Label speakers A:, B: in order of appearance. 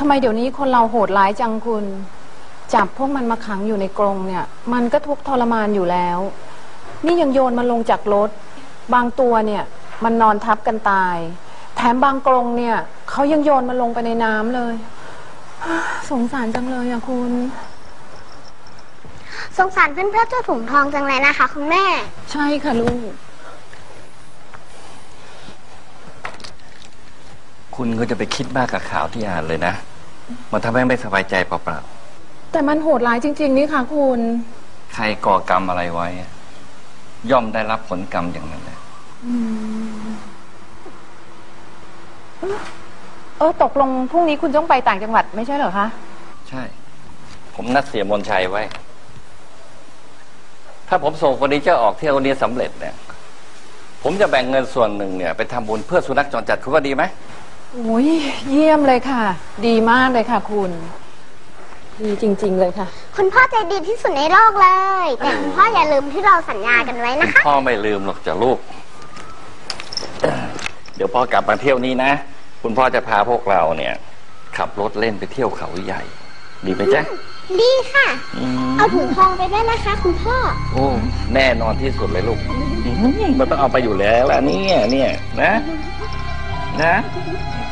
A: ำไมเดี๋ยวนี้คนเราโหดร้ายจังคุณจับพวกมันมาขังอยู่ในกรงเนี่ยมันก็ทุกข์ทรมานอยู่แล้วนี่ยังโยนมันลงจากรถบางตัวเนี่ยมันนอนทับกันตายแถมบางกรงเนี่ยเขายังโยนมันลงไปในน้ำเลยสงสารจังเลยอะคุณ
B: สงสารเพื่อนๆเจ้าถุงทองจังเลยนะคะคุณแม่
A: ใช่ค่ะลูก
C: คุณก็จะไปคิดมากกับข่าวที่อ่านเลยนะมันทำให้ไม่สบายใจเปล่า
A: ๆแต่มันโหดร้ายจริงๆนี่ค่ะคุณ
C: ใครก่อกรรมอะไรไว้ย่อมได้รับผลกรรมอย่างนั้นแหละ
A: ตกลงพรุ่งนี้คุณต้องไปต่างจังหวัดไม่ใช่เหรอคะ
C: ใช่ผมนัดเสียมนชัยไว้ถ้าผมส่งเฟอร์นิเจอร์ออกเที่ยวนี้สำเร็จเนี่ยผมจะแบ่งเงินส่วนหนึ่งเนี่ยไปทำบุญเพื่อสุนัขจรจัดคุณว่าดีไหม
A: โอ้ยเยี่ยมเลยค่ะดีมากเลยค่ะคุณดีจริงๆเลยค่ะ
B: คุณพ่อใจดีที่สุดในโลกเลยแต่คุณพ่ออย่าลืมที่เราสัญญากันไว้นะคะ
C: พ่อไม่ลืมหรอกจ้ะลูกเดี๋ยวพ่อกลับมาเที่ยวนี้นะคุณพ่อจะพาพวกเราเนี่ยขับรถเล่นไปเที่ยวเขาใหญ่ดีไหมจ๊ะ
B: ดีค่ะเอาถุงทองไปด้วยนะคะคุณพ่อ
C: โอ้แน่นอนที่สุดเลยลูกมันต้องเอาไปอยู่แล้วล่ะเนี่ยนะ